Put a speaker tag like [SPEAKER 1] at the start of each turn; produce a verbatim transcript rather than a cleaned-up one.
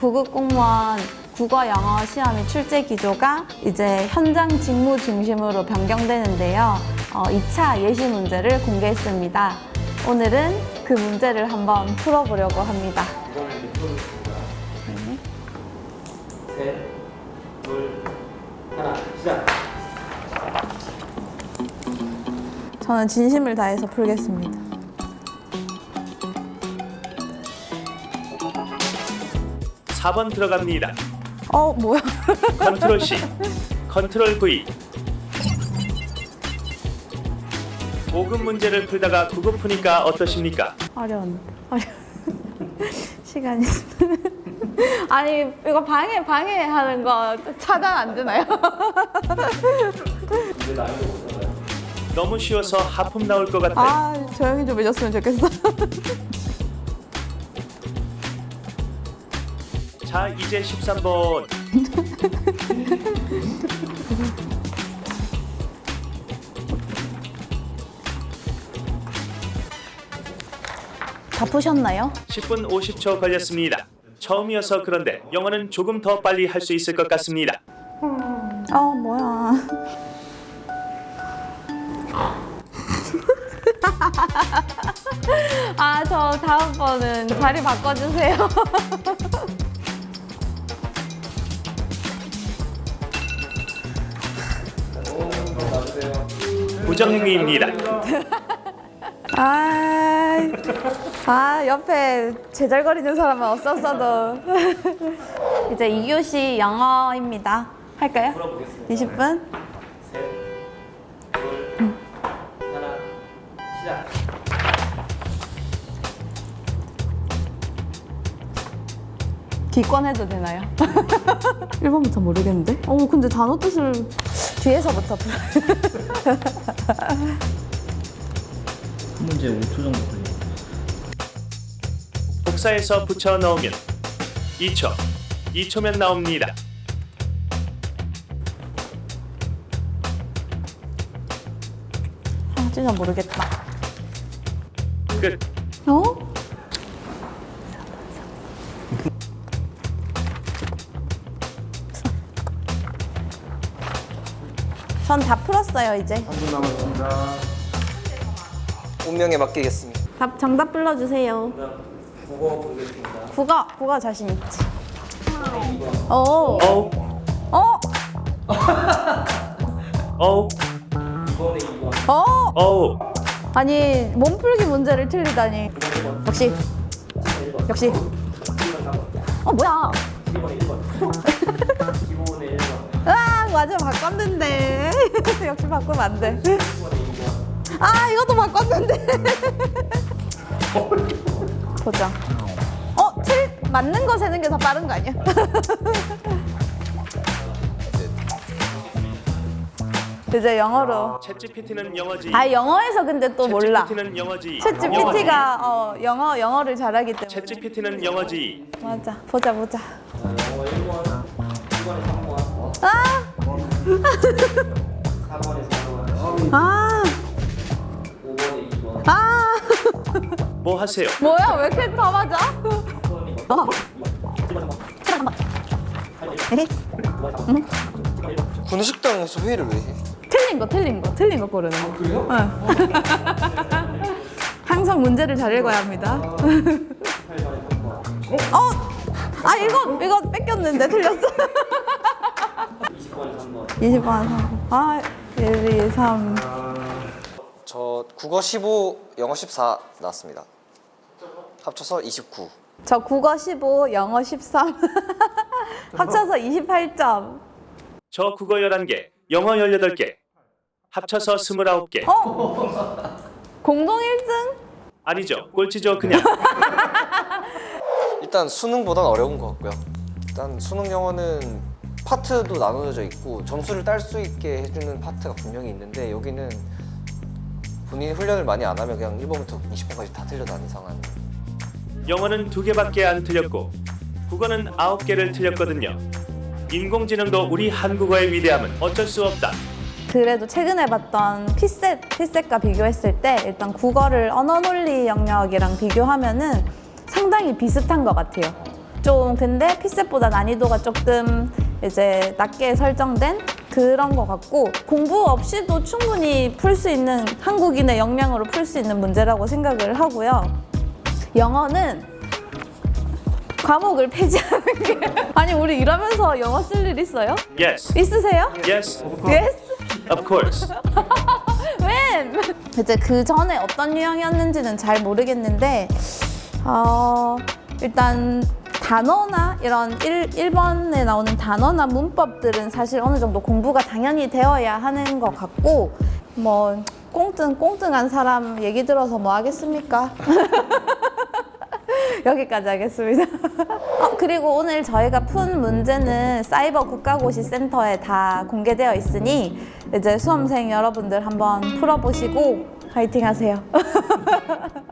[SPEAKER 1] 구급 공무원 국어 영어 시험의 출제 기조가 이제 현장 직무 중심으로 변경되는데요. 어, 이 차 예시 문제를 공개했습니다. 오늘은 그 문제를 한번 풀어보려고 합니다.
[SPEAKER 2] 이거 문제 풀어보겠습니다.
[SPEAKER 1] 네.
[SPEAKER 2] 셋, 둘, 하나, 시작!
[SPEAKER 1] 저는 진심을 다해서 풀겠습니다.
[SPEAKER 3] 사 번 들어갑니다.
[SPEAKER 1] 어, 뭐야?
[SPEAKER 3] 컨트롤 C, 컨트롤 V. 고급 문제를 풀다가 국어 푸니까 어떠십니까?
[SPEAKER 1] 어려운데. 어려... 시간이. 아니, 이거 방해, 방해하는 거 차단 안 되나요?
[SPEAKER 2] 이제 난이도 어떤가요?
[SPEAKER 3] 너무 쉬워서 하품 나올 것 같아요.
[SPEAKER 1] 아, 조용히 좀 해줬으면 좋겠어.
[SPEAKER 3] 자, 이제 십삼 번.
[SPEAKER 1] 다 푸셨나요?
[SPEAKER 3] 십 분 오십 초 걸렸습니다. 처음이어서 그런데 영어는 조금 더 빨리 할 수 있을 것 같습니다.
[SPEAKER 1] 어, 뭐야. 아, 저 다음번은 자리 바꿔주세요.
[SPEAKER 3] 부정행위입니다.
[SPEAKER 1] 아, 아, 옆에 제잘거리는 사람은 없었어도. 이제 이 교시 영어입니다. 할까요?
[SPEAKER 2] 풀어보겠습니다.
[SPEAKER 1] 이십 분?
[SPEAKER 2] 셋, 둘, 하나, 시작!
[SPEAKER 1] 기권해도 되나요? 일 번부터 모르겠는데? 어, 근데 단어 뜻을 뒤에서부터 풀어요.
[SPEAKER 4] 한 문제 오 초 정도 걸려요.
[SPEAKER 3] 복사해서 붙여 넣으면 이 초, 이 초면 나옵니다.
[SPEAKER 1] 아, 진짜 모르겠다.
[SPEAKER 3] 끝.
[SPEAKER 1] 어? 전 다 풀었어요, 이제.
[SPEAKER 2] 삼 분 남았습니다.
[SPEAKER 5] 운명에 맡기겠습니다.
[SPEAKER 1] 답, 정답 불러주세요.
[SPEAKER 2] 국어 보겠습니다.
[SPEAKER 1] 국어, 국어 자신 있지. 오,
[SPEAKER 3] 어우,
[SPEAKER 1] 어,
[SPEAKER 3] 어우,
[SPEAKER 2] 이번에 이 번,
[SPEAKER 1] 어.
[SPEAKER 3] 어우.
[SPEAKER 1] 아니, 몸풀기 문제를 틀리다니. 역시, 역시.
[SPEAKER 2] 일 번 사 번,
[SPEAKER 1] 어, 뭐야.
[SPEAKER 2] 일 번에 일 번, 기본에 일 번,
[SPEAKER 1] 아, 맞아, 바꿨는데. 역시 바꾸면 안 돼.
[SPEAKER 2] 일 번에 이 번.
[SPEAKER 1] 아, 이것도 바꿨는데. 보자. 어, 틀, 맞는 거 세는 게 더 빠른 거 아니야? 이제 영어로.
[SPEAKER 3] 챗지피티는 영어지.
[SPEAKER 1] 아, 영어에서 근데 또 몰라.
[SPEAKER 3] 챗지피티는 영어지.
[SPEAKER 1] 챗지피티가 어, 영어, 영어를 잘하기 때문에.
[SPEAKER 3] 챗지피티는 영어지.
[SPEAKER 1] 맞아. 보자, 보자.
[SPEAKER 2] 자, 영어 일 번, 이 번에 삼 번,
[SPEAKER 1] 아!
[SPEAKER 2] 사 번에 사 번,
[SPEAKER 1] 아!
[SPEAKER 2] 오 번에 이 번,
[SPEAKER 1] 아!
[SPEAKER 3] 뭐 하세요?
[SPEAKER 1] 뭐야? 왜 이렇게 다 맞아?
[SPEAKER 2] 육 번에 이 번,
[SPEAKER 1] 어.
[SPEAKER 2] 칠 번에 삼 번,
[SPEAKER 1] 에헤.
[SPEAKER 5] 군식당에서 회의를 왜 해?
[SPEAKER 1] 틀린 거, 틀린 거, 틀린 거 고르는 거. 그래요? 응. 항상 문제를 잘 읽어야 합니다. 어? 아, 이거, 이거 뺏겼는데 틀렸어.
[SPEAKER 2] 이십 번에 삼 번.
[SPEAKER 1] 이십 번, 삼 번. 아, 일, 이, 삼.
[SPEAKER 5] 저 국어 십오, 영어 십사 나왔습니다. 합쳐서 이십구.
[SPEAKER 1] 저 국어 십오, 영어 십삼. 합쳐서 이십팔 점.
[SPEAKER 3] 저 국어 열한 개, 영어 열여덟 개. 합쳐서 스물아홉 개.
[SPEAKER 1] 어? 공동 일 등?
[SPEAKER 3] 아니죠. 꼴찌죠, 그냥.
[SPEAKER 5] 일단 수능보단 어려운 것 같고요. 일단 수능 영어는 파트도 나눠져 있고 점수를 딸 수 있게 해주는 파트가 분명히 있는데 여기는 본인이 훈련을 많이 안 하면 그냥 일 번부터 이십 번까지 다 틀려도 안 이상한.
[SPEAKER 3] 영어는 두 개밖에 안 틀렸고 국어는 아홉 개를 틀렸거든요. 인공지능도 우리 한국어의 위대함은 어쩔 수 없다.
[SPEAKER 1] 그래도 최근에 봤던 피셋, 피셋과 비교했을 때 일단 국어를 언어 논리 영역이랑 비교하면은 상당히 비슷한 것 같아요. 좀 근데 피셋보다 난이도가 조금 이제 낮게 설정된 그런 것 같고 공부 없이도 충분히 풀 수 있는 한국인의 역량으로 풀 수 있는 문제라고 생각을 하고요. 영어는 과목을 폐지하는 게 아니 우리 일하면서 영어 쓸 일 있어요?
[SPEAKER 3] Yes.
[SPEAKER 1] 있으세요?
[SPEAKER 3] Yes.
[SPEAKER 1] Yes?
[SPEAKER 3] Of course.
[SPEAKER 1] When? 이제 그 전에 어떤 유형이었는지는 잘 모르겠는데 어, 일단 단어나 이런 일 번에 나오는 단어나 문법들은 사실 어느 정도 공부가 당연히 되어야 하는 것 같고 뭐 꽁뚱 꽁뚱한 사람 얘기 들어서 뭐 하겠습니까? 여기까지 하겠습니다. 어, 그리고 오늘 저희가 푼 문제는 사이버 국가고시 센터에 다 공개되어 있으니 이제 수험생 여러분들 한번 풀어보시고 화이팅 하세요.